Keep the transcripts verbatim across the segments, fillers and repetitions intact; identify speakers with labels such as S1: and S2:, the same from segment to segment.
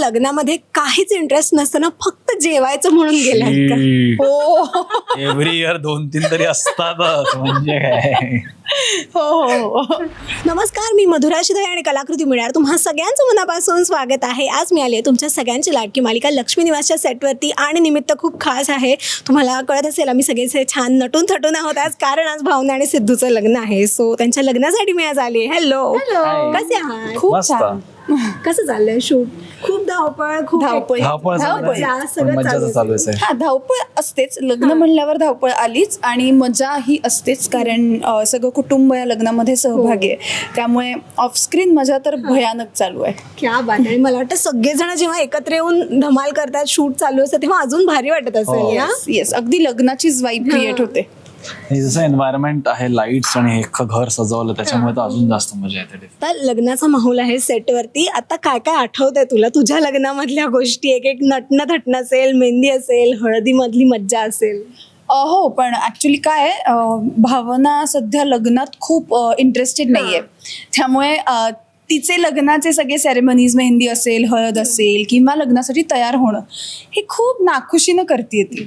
S1: लग्नामध्ये काहीच इंटरेस्ट नसताना फक्त जेवायचं म्हणून गेलात का? हो
S2: एव्हरी इयर दोन तीन तरी असतातच म्हणजे काय.
S1: हो हो हो. नमस्कार, मी मधुरा शिधाई आणि कलाकृती मिळणार तुम्हा सगळ्यांचं मनापासून स्वागत आहे. आज मी आली आहे तुमच्या सगळ्यांची लाडकी मालिका लक्ष्मी निवासच्या सेटवरती आणि निमित्त खूप खास आहे. तुम्हाला कळत असेल आम्ही सगळेच छान नटून थटून आहोत आज, कारण आज भावना आणि सिद्धूचं लग्न आहे. सो त्यांच्या लग्नासाठी मी आज आली. हॅलो, कसे आहात?
S2: खूप छान.
S1: कसं चाललंय शूट? खूप धावपळ, खूप
S3: धावपळ.
S2: धावपळ
S1: मजा, सगळं
S2: मज्जाच चालू आहे.
S3: हा, धावपळ असतेच. लग्न म्हणल्यावर धावपळ आलीच आणि मजा ही असतेच, कारण अ, सगळं कुटुंब या लग्नामध्ये सहभागी आहे. त्यामुळे ऑफस्क्रीन मजा तर भयानक चालू आहे.
S1: क्या बात आहे. मला वाटतं सगळेजण जेव्हा एकत्र येऊन धमाल करतात, शूट चालू असतं, तेव्हा अजून भारी वाटत असेल ना?
S3: येस, अगदी लग्नाचीच वाईब क्रिएट होते.
S2: हे जसं एन्व्हायरमेंट आहे, लाईट्स आणि हे अख्खं घर सजवलं, त्याच्यामुळे तर अजून जास्त मजा येते.
S1: आता लग्नाचा माहोल आहे सेटवरती. आता काय काय आठवतंय तुला तुझ्या लग्नामधल्या गोष्टी? एक एक नटणं थटणं असेल, मेहंदी असेल, हळदी मधली मज्जा असेल.
S3: अ, हो, पण ऍक्च्युली काय आहे, अ, भावना सध्या लग्नात खूप इंटरेस्टेड नाहीये. त्यामुळे अ, तिचे लग्नाचे सगळे सेरेमनीज, मेहंदी असेल, हळद असेल किंवा लग्नासाठी तयार होणं, हे खूप नाखुशीनं करते ती.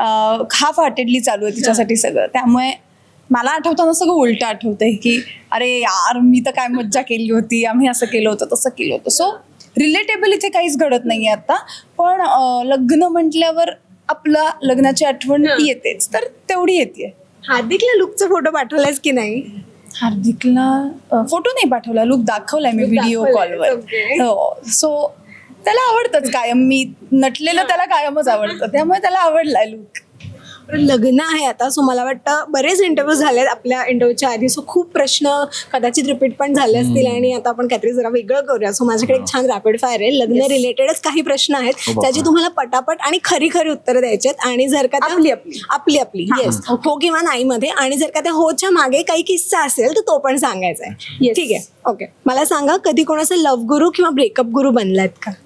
S3: हाफ हार्टेडली चालू आहे तिच्यासाठी सगळं. त्यामुळे मला आठवताना सगळं उलटं आठवतंय की अरे यार, मी तर काय मज्जा केली होती, आम्ही असं केलं होतं, तसं केलं होतं. सो रिलेटेबल इथे काहीच घडत नाहीये आता. पण अ, लग्न म्हटल्यावर आपला लग्नाची आठवण येतेच, तर तेवढी येते.
S1: हार्दिकला लुकचा फोटो पाठवलायस की नाही?
S3: हार्दिकला फोटो नाही पाठवला, लुक दाखवलाय मी व्हिडिओ कॉलवर. हो, सो त्याला आवडतंच कायम. मी नटलेलं त्याला कायमच आवडतं, त्यामुळे त्याला आवडलाय लुक.
S1: लग्न आहे आता, सो मला वाटतं बरेच इंटरव्ह्यू झाले आपल्या इंटरव्ह्यूच्या आधी. सो खूप प्रश्न कदाचित रिपीट पण झाले असतील आणि आता आपण काहीतरी जरा वेगळं करूया. सो माझ्याकडे एक छान रॅपिड फायर आहे. लग्न रिलेटेडच काही प्रश्न आहेत ज्याची तुम्हाला पटापट आणि खरी खरी उत्तरं द्यायची आहेत. आणि जर का आपली आपली आपली आपली येस हो किंवा नाही मध्ये, आणि जर का त्या होच्या मागे काही किस्सा असेल तर तो पण सांगायचा आहे. ठीक आहे, ओके. मला सांगा, कधी कोणाचं लव्ह गुरु किंवा ब्रेकअप गुरु बनलात का?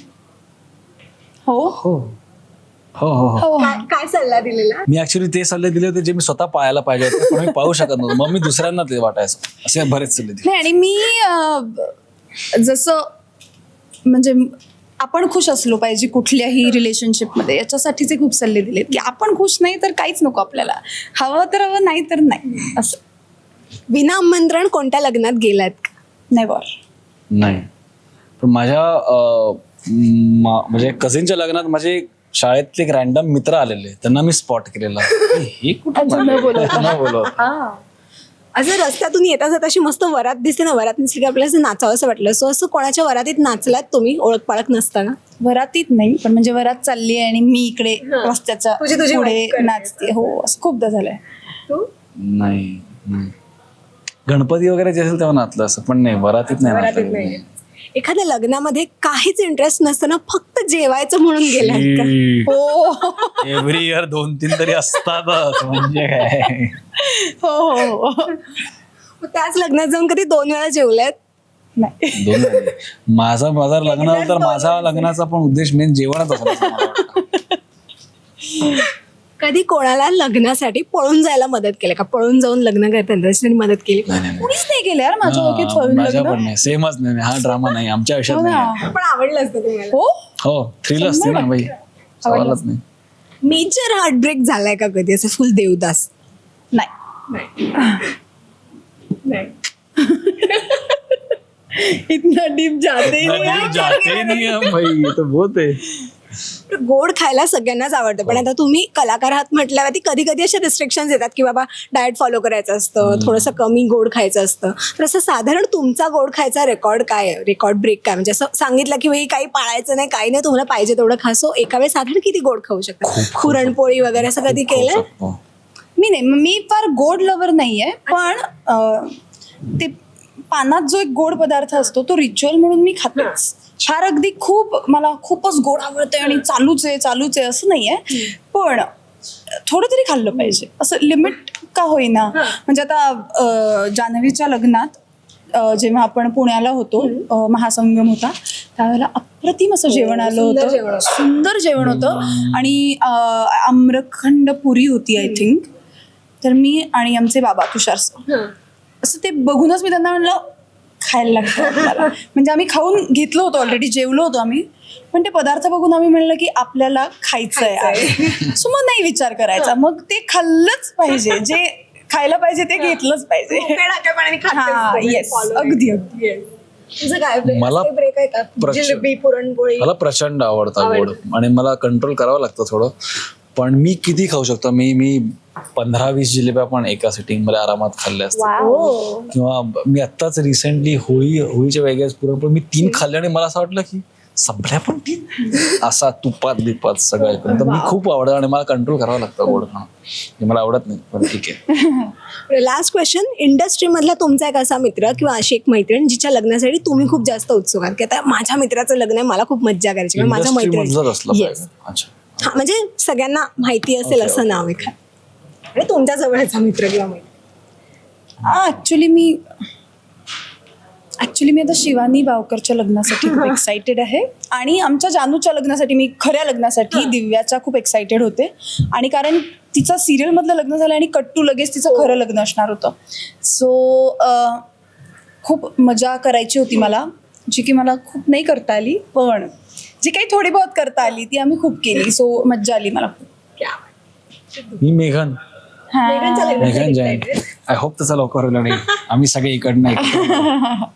S3: हो
S2: हो हो हो हो.
S1: काय काय सल्ला दिलेला?
S2: मी ऍक्च्युली ते सल्ले दिले होते जे मी स्वतः पाहायला पाहिजे होते, पण मी पाहू शकत नव्हतो. मग मी दुसऱ्यांना ते वाटायचं. असे बरेच सल्ले दिले.
S3: नाही, आणि मी अ, जसं म्हणजे आपण खुश असलो पाहिजे कुठल्याही रिलेशनशिपमध्ये, याच्यासाठीचे खूप सल्ले दिलेत की आपण खुश नाही तर काहीच नको आपल्याला. हवं तर हवं, नाही तर नाही. असं.
S1: विना आमंत्रण कोणत्या लग्नात गेलात का?
S3: नेव्हर.
S2: नाही, पण माझ्या अं, मा- म्हणजे कझिनच्या लग्नात माझे शाळेतले एक रॅन्डम मित्र आलेले, त्यांना मी स्पॉट केलेला. हे कुठं न बोलत.
S1: असं रस्त्यातून येता जात अशी मस्त वरात दिसते ना, वरात नसली की आपल्याला असं नाचावं असं वाटलं. सो असं कोणाच्या वरातीत नाचलात तुम्ही ओळख पाळख नसताना?
S3: वरातीत नाही, पण म्हणजे वरात चालली आहे आणि मी इकडे रस्त्याच्या
S1: तुझी- तुझी
S3: पुढे
S1: वाईफ करते.
S3: नाचते. हो, असं खूपदा झालंय.
S2: नाही नाही. गणपती वगैरे जे असेल तेव्हा नाचलं असं, पण नाही, वरातीत नाही
S1: वरातीत
S2: नाचलं.
S1: नाही. एखाद्या लग्नामध्ये काहीच इंटरेस्ट नसताना फक्त जेवायचं म्हणून गेलात का?
S3: हो
S2: एव्हरी इयर दोन तीन तरी असतातच म्हणजे काय.
S3: हो हो हो.
S1: मग त्याच लग्नात जाऊन कधी दोन वेळा जेवल्यात?
S3: नाही.
S2: दोन झाले. माझा माझा लग्न झालं तर माझा लग्नाचा पण उद्देश मेन जेवणच असायचा.
S1: कधी कोणाला लग्नासाठी पळून जायला मदत केली का? पळून जाऊन लग्न करताना त्याच्यासाठी मदत केली?
S3: कुणीच नाही केलं यार माझ्या ओळखीत
S2: हा,
S3: फळून
S2: माझ्या
S3: लग्न.
S2: पण नाही, सेमच नाही. हा ड्रामा नाही आमच्या आयुष्यात
S3: हो
S2: नाही.
S3: ना.
S1: पण आवडलं असतं तुम्हाला?
S3: हो,
S2: हो, थ्रिल असते ना बाई, सवालच नाही.
S1: मेजर हार्टब्रेक झालाय का कधी, असं फुल देवदास?
S3: नाही. इतना डीप जाते ही नहीं.
S2: नदी जाते नहीं हम भाई, ये तो बहुत है.
S1: गोड खायला सगळ्यांनाच आवडतं, पण आता तुम्ही कलाकार आहात म्हटल्यावरती कधी कधी असे रिस्ट्रिक्शन्स येतात की बाबा डाएट फॉलो करायचं असतं, थोडंसं कमी गोड खायचं असतं. तर असं साधारण तुमचा गोड खायचा रेकॉर्ड काय आहे, रेकॉर्ड ब्रेक काय? म्हणजे असं सांगितलं की भाई काही पाळायचं नाही, काही नाही, तुम्हाला पाहिजे तेवढं खा. सो एका वेळेस साधारण किती गोड खाऊ शकता? पुरणपोळी वगैरे असं कधी केलंय?
S3: मी नाही, मी फार गोड लवर नाहीये, पण अं, ते पानात जो एक गोड पदार्थ असतो तो रिच्युअल म्हणून मी खातेच. फार अगदी खूप मला खूपच गोड आवडतंय आणि चालूच आहे चालूच आहे असं नाहीये, पण थोडं तरी खाल्लं पाहिजे, असं लिमिट का होईना. म्हणजे आता अं, जान्हवीच्या लग्नात अं, जेव्हा आपण पुण्याला होतो, अं, महासंगम होता, त्यावेळेला अप्रतिम असं जेवण आलं होतं. सुंदर जेवण होतं आणि अं, आम्रखंड पुरी होती आय थिंक. तर मी आणि आमचे बाबा तुषार सर, असं ते बघूनच मी त्यांना म्हणलं खायला लागतं आपल्याला. म्हणजे आम्ही खाऊन घेतलो होतो ऑलरेडी, जेवलो होतो आम्ही, पण ते पदार्थ बघून आम्ही म्हणलं की आपल्याला खायचं आहे. सो मग नाही विचार करायचा, मग ते खाल्लंच पाहिजे, जे खायला पाहिजे ते घेतलंच पाहिजे. हा, yes, अगदी अगदी.
S1: तुझं काय
S2: मला
S1: ब्रेक आहे का?
S2: प्रचंड-
S1: जिलेबी, पुरणपोळी.
S2: मला प्रचंड आवडतं गोड आणि मला कंट्रोल करावं लागतं थोडं, पण मी किती खाऊ शकतो. मी मी पंधरा वीस जिलेब्या पण एका सिटिंग मध्ये आरामात खाल्ल्या असतात.
S1: हो.
S2: किंवा मी आत्ताच रिसेंटली होळी होळीच्या वेगळ्याच पुरणपोळी मी तीन खाल्ले आणि मला असं वाटलं की संपल्या पण तीन, असा तुपात बिपात सगळं करून. तर मी खूप आवडतं आणि मला कंट्रोल करावं लागतं गोड खाणं. हे मला आवडत नाही, पण ठीक आहे.
S1: लास्ट क्वेश्चन, इंडस्ट्री मधला तुमचा एक असा मित्र किंवा अशी एक मैत्रीण जिच्या लग्नासाठी तुम्ही खूप जास्त उत्सुक आहात की आता माझ्या मित्राचं लग्न आहे, मला खूप मज्जा करायची, किंवा माझ्या
S2: Industry मधलंच असलं
S1: मैत्रिणी.
S2: पाहिजे. अच्छा.
S1: हा, म्हणजे सगळ्यांना माहिती असेल
S2: Okay,
S1: असं नाव आहे आणि तुमच्या जवळचा मित्र किंवा मैत्रीण.
S3: ऍक्च्युली मी ऍक्च्युली मी आता शिवानी बावकरच्या लग्नासाठी खूप एक्सायटेड आहे, आणि आमच्या जानूच्या लग्नासाठी, मी खऱ्या लग्नासाठी दिव्याच्या खूप एक्सायटेड होते. आणि कारण तिचं सिरियल मधलं लग्न झालं आणि कट्टू लगेच तिचं खरं लग्न असणार होतं. सो खूप मजा करायची होती मला, जी की मला खूप नाही करता आली, पण जी काही थोडी बहुत करता आली ती आम्ही खूप केली. सो मज्जा आली मला खूप.
S2: मी मेघन
S1: मेघनच्या लग्नासाठी
S2: मेघन जैन. आय होप तसं लवकर होईल आणि आम्ही सगळे इकडनं एकत्र.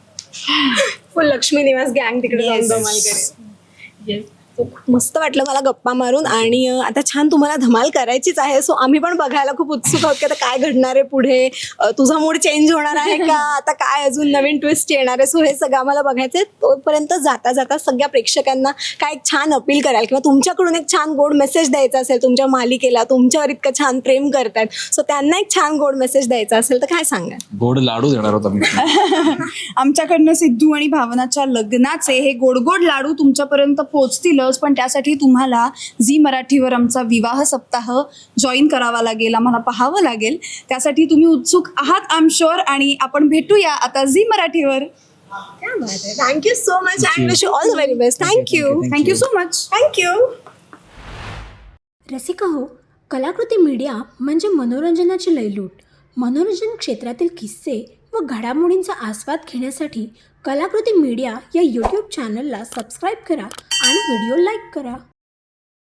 S1: फुल लक्ष्मी निवास गँग तिकडे जाऊन धमाल करेल. So, खूप मस्त वाटलं मला गप्पा मारून, आणि अं, आता छान तुम्हाला धमाल करायचीच आहे. सो आम्ही पण बघायला खूप उत्सुक आहोत की आता काय घडणार आहे पुढे. अं, तुझा मूड चेंज होणार आहे का, आता काय अजून नवीन ट्विस्ट येणार आहे. सो हे सगळं आम्हाला बघायचं आहे. तोपर्यंत जाता जाता सगळ्या प्रेक्षकांना काय एक छान अपील कराल किंवा तुमच्याकडून एक छान गोड मेसेज द्यायचा असेल, तुमच्या मालिकेला तुमच्यावर इतकं छान प्रेम करतायत, सो त्यांना एक छान गोड मेसेज द्यायचा असेल तर काय सांगाल?
S2: गोड लाडू देणार होता मी.
S3: आमच्याकडनं सिद्धू आणि भावनाच्या लग्नाचे हे गोड गोड लाडू तुमच्यापर्यंत पोहोचतीलच, पण त्यासाठी तुम्हाला झी मराठीवर आमचा विवाह सप्ताह जॉईन करावा लागेल, आम्हाला पाहावं लागेल. त्यासाठी तुम्ही उत्सुक आहात आय एम शुअर, आणि आपण भेटूया आता झी मराठीवर.
S1: Thank you so much and wish you all the very best. Thank you
S3: thank you so much.
S1: Thank you.
S4: Rasika हो, कलाकृती मीडिया म्हणजे मनोरंजनाची लयलूट. मनोरंजन क्षेत्रातील किस्से व घडामोडींचा आस्वाद घेण्यासाठी कलाकृती मीडिया या यूट्यूब चॅनलला सबस्क्राईब करा आणि व्हिडिओ लाईक करा.